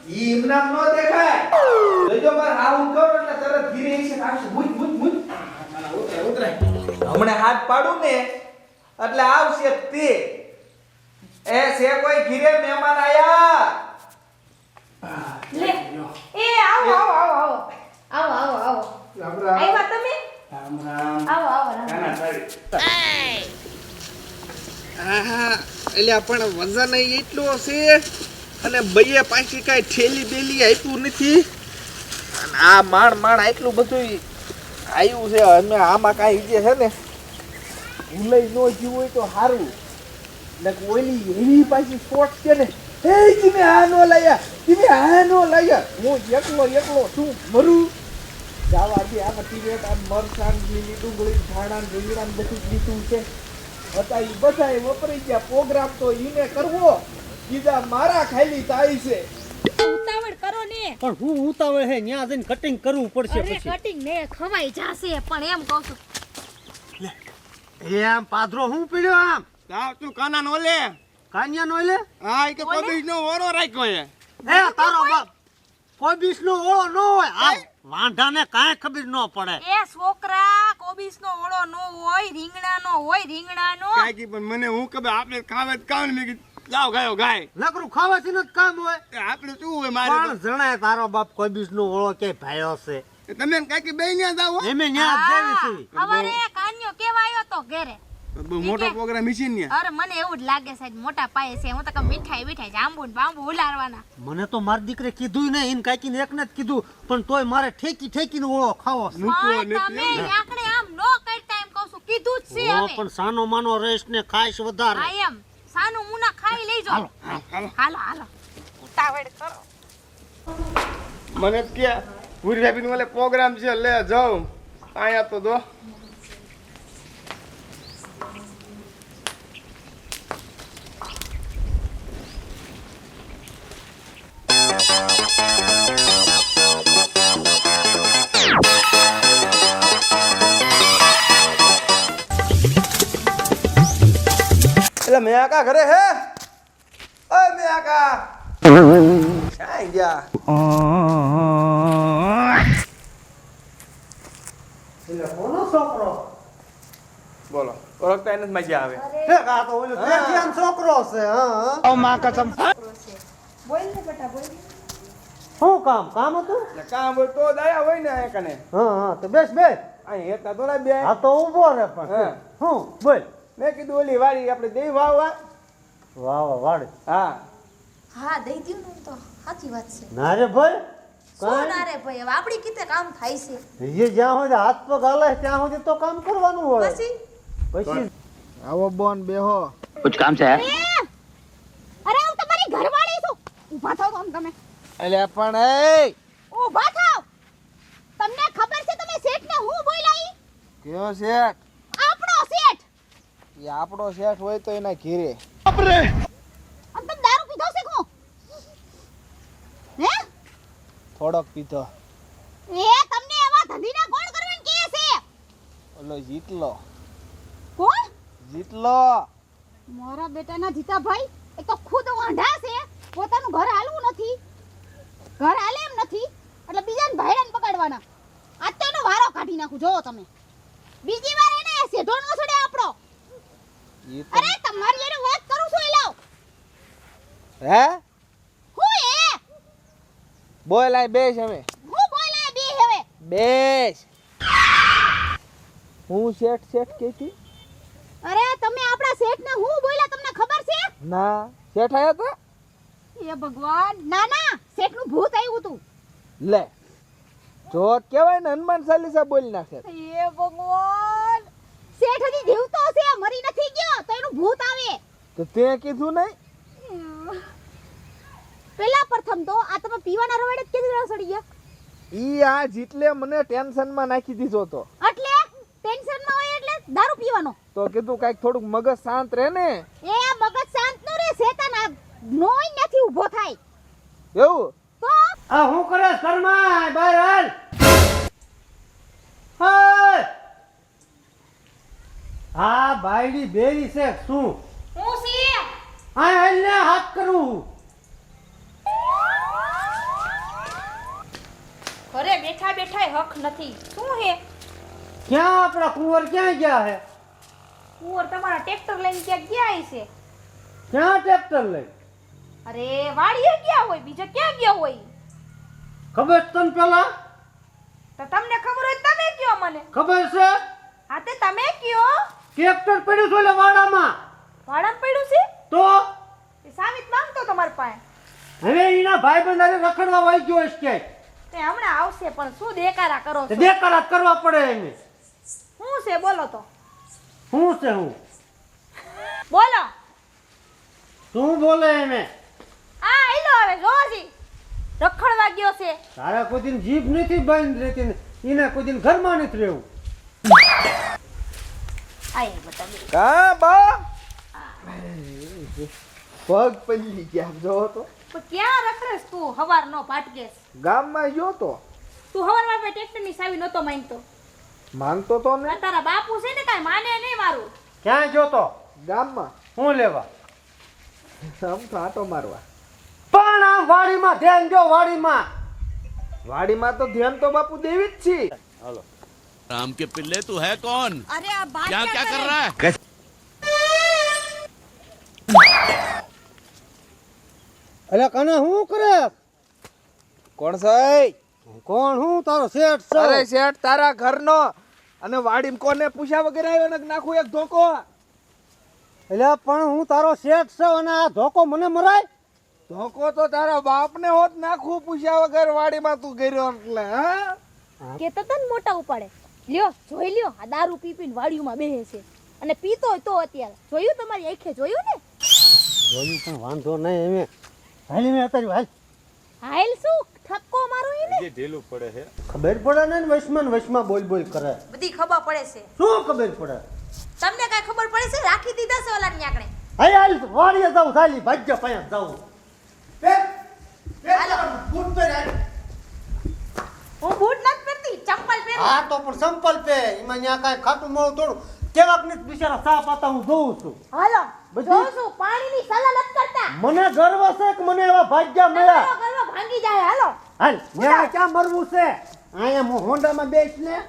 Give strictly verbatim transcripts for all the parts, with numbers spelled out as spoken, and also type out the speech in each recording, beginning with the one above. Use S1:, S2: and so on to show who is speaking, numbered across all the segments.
S1: ઈ ઇમનામ નો દેખાય જોજો પર હા હું કહું એટલે તરત ધીરે છે આવશે મુજ મુજ મુજ મારા ઉતરે ઉતરે હમણે હાથ પાડું ને એટલે આવશે તે એ સે કોઈ ઘીરે મહેમાન આયા
S2: લે એ આવો આવો આવો આવો આવો આવો
S1: રામ રામ
S2: આયા તમે
S1: રામ રામ
S2: આવો આવો રામ
S1: કાના સારી
S3: આહા એટલે પણ વજન એટલું છે અને બઈએ પાછી કાંઈ ઠેલી બેલી આપ્યું નથી અને આ માણ માણ આટલું બધું આવ્યું છે અમે આમાં કાંઈ જે છે ને ભૂલાઈ ન જીવ હોય તો સારું ને ઓલી એવી પાછી શોર્ટ છે ને એ તમે આ નો લાયા તમે આ નો લાયા હું એકલો એકલો શું મરું જાવા દે આમાં ટીવેટ આ મરસાન લીલી ડુંગળી ધાણા રીંગણા બધું લીધું છે હતા ઈ બધાય વપરાઈ ગયા પ્રોગ્રામ તો ઈને કરવો કીધા મારા ખાલી થાય છે
S2: ઉતાવળ કરો ને
S4: પણ હું ઉતાવળ હે ન્યા જઈને કટિંગ કરવું પડશે
S2: અરે
S4: પછી
S2: કટિંગ ને ખવાઈ જાશે પણ એમ કહું છું
S4: એ આમ પાદરો હું પીડ્યો આમ
S3: તાવ તું કાના નો લે
S4: કાન્યા નો લે
S3: હા ઈ કે કોબીજ નો ઓરો રાખ્યો હે
S4: એ તારો બાપ કોઈ બીસ નો ઓળો ન હોય આ વાંઢાને કાંઈ ખબર ન પડે
S2: એ છોકરા કોબીસ નો ઓળો નો હોય રીંગણા નો હોય રીંગણા નો
S3: કાઈ કી પણ મને હું કબે આપણે ખાવે જ કામ મે જાવ ગાયો ગાય
S4: નકરું ખાવાથી ન કામ હોય
S3: આપણે શું હોય મારે
S4: પણ જણાય તારો બાપ કોઈ બીસ નો ઓળો કે ભાયો છે
S3: તો તમે કાકી બે ન્યા જાવ
S4: એમે ન્યા જ જેવી છે
S2: હવારે કાન્યો કેવા આવ્યો તો ઘરે
S3: બહુ મોટો પ્રોગ્રામ મીશીન ને
S2: અરે મને એવું જ લાગે છે મોટા પાયે છે હું તો કે મીઠાઈ મીઠાઈ જાંબુ ને બાંબુ ઉલારવાના
S4: મને તો મારી દીકરે કીધું ને ઇન કાકીને એકને જ કીધું પણ તોય મારે ઠેકી ઠેકીને ઓળો ખાવો છે
S2: પણ તમે આકડે આમ નો કરતા એમ કહું છું કીધું જ છે
S4: ઓ
S2: હવે
S4: પણ સાનો માનો રેસ ને ખાઈશ વધારે
S2: હા એમ સાનું મુના ખાઈ લેજો
S3: હાલો
S2: હાલો હાલો ઉતાવળ કરો
S3: મને કે પૂરી ભાભી નો પ્રોગ્રામ છે લે જાઉં આયા તો દો એટલે મેં આકા ઘરે હે ઓય મેં આકા ક્યાં ગયા
S4: એટલે કોનો છોકરો
S3: બોલો ઓળખતા એને જ મજા આવે
S4: હે કા તો ઓલો દેખિયાન છોકરો છે હા
S3: ઓ માં કસમ
S2: બોલ ને બેટા બોલ
S4: શું કામ કામ હતું
S3: એટલે કામ હોય તો દયા હોય ને આ કને
S4: હા હા તો બેસ બેસ
S3: અહીં હેતા તો ના બે
S4: આ તો ઊભો રે પણ
S3: હા.
S4: હું બોલ
S3: મેં કીધું ઓલી વાડી આપણે દેવી વાવ વા
S4: વાહ વાહ વાડ
S3: હા
S2: હા દઈ દ્યું ને તો સાચી વાત છે
S4: ના રે ભાઈ
S2: શું ના રે ભાઈ હવે આપણી કીતે કામ થાય છે
S4: એ જ્યાં સુધી હાથ પગ હાલે ત્યાં સુધી તો કામ કરવાનું હોય
S2: પછી
S4: પછી
S3: આવો બોન બેહો
S5: कुछ काम से है
S2: અરે હું તમારી ઘરવાળી છું ઊભા થાઓ તો આમ તમે
S3: એટલે પણ એ
S2: ઊભા થાઓ તમને ખબર છે તમે શેઠને હું બોલાઈ
S3: કયો શેઠ
S2: આપણો શેઠ
S3: એ આપણો શેઠ હોય તો એના ઘીરે
S2: આમ તમે દારૂ પીધો છે કો હે
S3: થોડોક પીધો
S2: એ તમને એવા ધંધીના કોણ કરવાનું કહે છે
S3: ઓલો જીતલો
S2: કોણ
S3: જીતલો
S2: મારા બેટાના જીતાભાઈ એક તો ખુદ વાંઢા છે પોતાનું ઘર હાલવું નથી ઘર હાલે એમ નથી એટલે બીજાને ભાઈડાને પકડવાના આજ તો એનો વારો કાઢી નાખું જોવો તમે બીજી વાર એને સેઢો નો છોડે આપણો
S3: ઈ તો
S2: અરે તમારી એને વાત કરું છું એ લાવ
S3: હે
S2: હું એ
S3: બોલ આય બેસ હવે
S2: હું બોલાય બે હવે
S3: બેસ હું શેઠ શેઠ કેતી
S2: અરે તમે આપણા શેઠને હું બોલ્યા તમને ખબર છે
S3: ના શેઠ આયા તો
S2: એ ભગવાન ના ના શેઠનું ભૂત આવ્યું હતું
S3: લે જોત કેવાય ને હનુમાન ચાલીસા બોલી નાખે
S2: એ ભગવાન શેઠ હજી જીવતો છે મરી નથી ગયો તો એનું ભૂત આવે
S3: તો તે કીધું નહીં
S2: પેલા પ્રથમ તો આ તમે પીવાના રવાડે જ કેવી રીતે સડી ગયા
S3: ઈ આ જીતલે મને ટેન્શન માં નાખી દીધો તો
S2: એટલે ટેન્શન માં હોય એટલે દારૂ પીવાનો
S3: તો કીધું કાઈક થોડુંક મગજ શાંત રહે ને
S2: એ મગજ શાંત નો રે શેતાન આ નોય નથી ઊભો થાય
S3: એવું
S2: તો
S4: આ હું કરે શર્મા બહાર હાલ હાય આ બાયડી બેરી છે શું
S2: હું સી
S4: આ હાલ ને હાથ કરું
S5: બેઠા બેઠા હક નથી. શું હે?
S4: ક્યાં આપણા કુંવર ક્યાં ગયા હે?
S5: કુંવર તમારા ટ્રેક્ટર લઈને ક્યાંક ગયા હશે.
S4: ક્યાં ટ્રેક્ટર લઈ?
S5: અરે વાડીએ ગયા હોય, બીજે ક્યાં ગયા હોય?
S4: ખબર છે તને પેલા?
S5: તો તમને ખબર હોય તો તમે કયો મને.
S4: ખબર છે?
S5: હા તે તમે કયો.
S4: ટ્રેક્ટર પડ્યું છે ઓલે વાડામાં.
S5: ભાડામાં પડ્યું છે?
S4: તો
S5: એ સાવિત માંગતો તમારી પાસે.
S4: હવે એના ભાઈબંધ હારે રખડવા વાઈ ગયો છે ક્યાંય.
S5: તે હમણાં આવશે પણ શું દેકારા કરો
S4: તે
S5: છો?
S4: દેકારા કરવા પડે એને.
S5: શું છે બોલો તો?
S4: શું છે હું?
S5: બોલો.
S4: તું બોલે એને?
S5: આ ઈલો હવે જોજી. રખડવા ગયો છે.
S4: તારા કોઈ દિન જીભ નથી બંધ રહેતી ને એને કોઈ દિન ઘરમાં નથી રહેવું.
S5: આય બતાવી.
S1: કા બા પગ પલ્લી ગયા જો તો
S5: પણ ક્યાં રખડેસ તું? હવાર નો પાટકેસ.
S1: ગામમાં ગયો તો
S5: તું હવારમાં પે ટ્રેક્ટર ની સાવી નતો માંગતો.
S1: માંગતો તો ને
S5: આ તારા બાપુ છે ને કાઈ માને નહીં મારું.
S4: ક્યાં જોતો?
S1: ગામમાં
S4: હું લેવા?
S1: આમ તો આટો મારવા.
S4: પણ આ વાડીમાં ધ્યાન જો, વાડીમાં.
S1: વાડીમાં તો ધ્યાન તો બાપુ દેવી જ છે.
S6: राम के पिल्ले तू है कौन?
S5: અરે આ બાત
S6: क्या क्या कर रहा है?
S4: એટલે કને હું કરે?
S1: કોણ છે?
S4: કોણ હું? તારો શેઠ છે.
S1: અરે શેઠ તારા ઘરનો અને વાડીમાં કોને પૂછ્યા વગર આવ્યો ને નાખું એક ધોકો.
S4: એટલે પણ હું તારો શેઠ છે અને આ ધોકો મને મરાય?
S1: ધોકો તો તારા બાપને હોત નાખું પૂછ્યા વગર વાડીમાં તું ગયો એટલે હા.
S5: કેતો તન મોટા ઉપાડે. લ્યો જોઈ લ્યો આ દારૂ પી પીને વાડીઓમાં બેહે છે અને પીતો હોય તો અત્યારે જોયું તમારી આંખે જોયું ને?
S4: જોયું પણ વાંધો નહીં એમે. હાલી મેં અત્યારે હાલ.
S5: હાલ શું ઠપકો મારો એને?
S4: ખબર પડે ને વૈષ્ણવ વૈષ્ણવ બોલ બોલ કરે.
S5: બધી ખબર પડે છે.
S4: શું ખબર પડે?
S5: તમને કાઈ ખબર પડે છે? રાખી દીધા છે ઓલા ન્યાકણે.
S4: હાલ હાલ વાડીએ જાઉં, ખાલી ભાજ્ય પાયા જાઉં.
S5: હું બૂટ નથી પહેરતી, ચપ્પલ પહેરું.
S4: હા તો પણ સંપલ પે એમાં ન્યા કાંઈ ખાટું મોળું થોડું કેવાક ને બિચારા સા પાતા હું જોઉં છું.
S5: હાલો
S4: બધી-
S5: જોઉં છું પાણીની સલાહ નથી કરતા.
S4: મને ગર્વ છે કે મને એવા ભાગ્યા મળ્યા.
S5: તમારો ગર્વ ભાંગી જાય. હાલો
S4: હાલ ન્યા ક્યાં મરવું છે? અહીંયા હું હોન્ડામાં બેસ ને.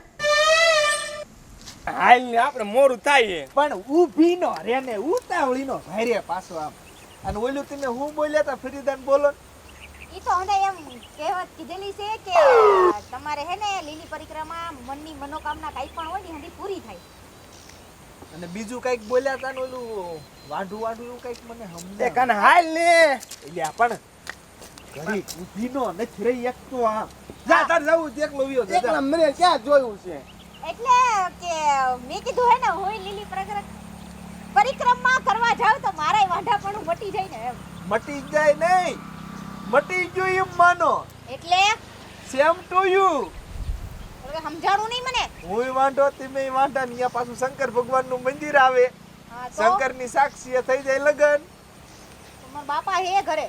S3: હાલ ને આપણે મોરું થાય
S1: પણ ઊભી નો રે ને ઉતાવળી નો ભારે પાછો આમ. અને ઓલું તમે હું બોલ્યા તા ફરીદાન બોલો.
S2: ઈ તો હંડે એમ કહેવત કીધેલી છે કે તમારે હે ને લીલી પરિક્રમા મનની મનોકામના કાઈ પણ હોય ને હંડી પૂરી થાય.
S1: અને બીજું કઈક બોલ્યા તા ને ઓલું વાઢું વાઢું એવું કઈક મને
S3: એ
S1: સમજાય.
S3: કન હાલ ને
S1: એટલે આ પણ ઘડી ઊભી નો નથી રહી એક તો આ. જા તાર જવું છે એકલો વિયો છે, જા.
S3: એકલા મને ક્યાં જોયું છે?
S2: એટલે કે મેં કીધું હે ને હોય લીલી પરિક્રમા પરિક્રમા કરવા જાવ તો મારાય વાંઢાપણું મટી જાય ને એમ.
S1: મટી જાય નહીં, મટી ગયું એમ માનો.
S2: એટલે
S1: સેમ ટુ યુ.
S2: એટલે સમજાણું નહીં મને.
S1: હું વાંઢો તમે વાંઢા ને અહીંયા પાછું શંકર ભગવાન નું મંદિર આવે.
S2: હા તો
S1: શંકર ની સાક્ષી થઈ જાય લગન.
S2: તમારા બાપા હે ઘરે.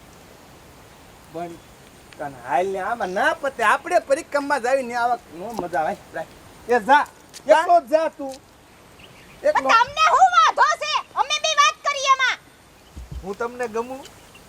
S1: પણ કન હાલ ને આમાં ના પતે આપણે પરિક્રમા જાવી ને આવા નો મજા આવે. એ જા એકલો જ જા તું.
S2: પણ
S1: એકલો.
S2: તમને હું વાંધો છે? અમે બે વાત કરી એમાં.
S1: હું તમને ગમું.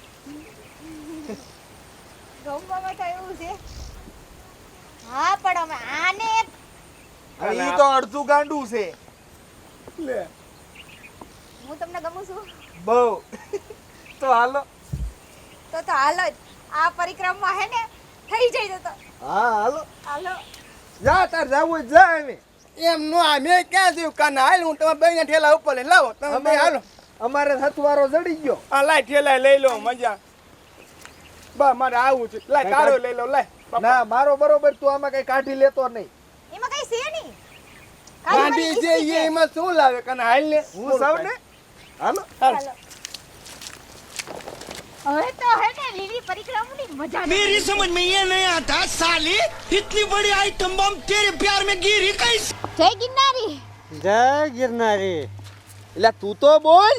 S2: ગમવામાં તો એવું છે. હા પણ અમે આને
S1: અને ઈ તો અડધું ગાંડું છે. લે
S2: હું તમને ગમું છું
S1: બહુ. તો હાલો.
S2: તો તો હાલો જ. આ પરિક્રમા હે ને થઈ જાય તો
S1: હા હાલો.
S2: હાલો.
S1: જા તાર જાવું હોય જા એમે.
S3: એમ નો આ મેં ક્યાં જોયું? કાન હાલ હું તમારા બેયના ઠેલા ઉપર લઈને લાવો તમે બે હાલો.
S1: અમારે હથવારો જડી ગયો.
S3: આ લાય ઠેલા લઈ લો મજા. બા મારે આવું છે. લાય તારો લઈ લો લાય.
S1: ના મારો બરોબર તું આમાં કઈ કાઢી લેતો નહીં.
S2: એમાં કઈ છે નહીં. ખાલી
S3: ગાંધી
S2: મારી
S3: જે
S2: ઈચ્છા
S3: એ એમાં શું લાવે? કાન હાલ ને
S1: હું સૌ ને હાલો.
S3: હાલ.
S2: હાલો. હવે તો હે ને લીલી પરિક્રમાની મજા
S6: मेरी समझ में ये नहीं आता साली इतनी बड़ी आइटम बम तेरे प्यार में गिरी कैसे?
S2: જય ગિરનારી.
S4: જય ગિરનારી.
S1: એટલે તું તો બોલ.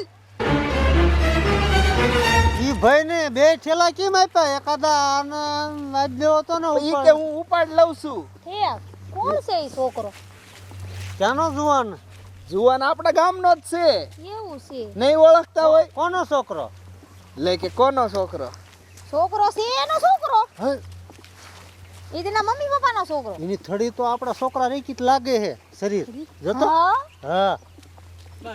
S4: ઈ ભાઈ ને બે ઠેલા કેમ આપ્યા? એકાદા આને આજ લેવો તો ને
S1: ઈ
S4: ઉપર.
S1: કે હું ઉપાડ લઉં છું.
S2: હે કોણ છે ઈ છોકરો?
S4: ક્યાંનો જુવાન?
S1: જુવાન આપણા ગામનો જ છે.
S2: એવું છે.
S1: નહીં ઓળખતા હોય
S4: કોનો છોકરો?
S1: લે કે કોનો છોકરો?
S2: છોકરો છે એનો છોકરો.
S4: હે?
S2: એ તેના મમ્મી પપ્પાનો છોકરો.
S4: એની થડી તો આપણા છોકરા રેકી જ લાગે છે શરીર જતો
S2: હા
S4: હા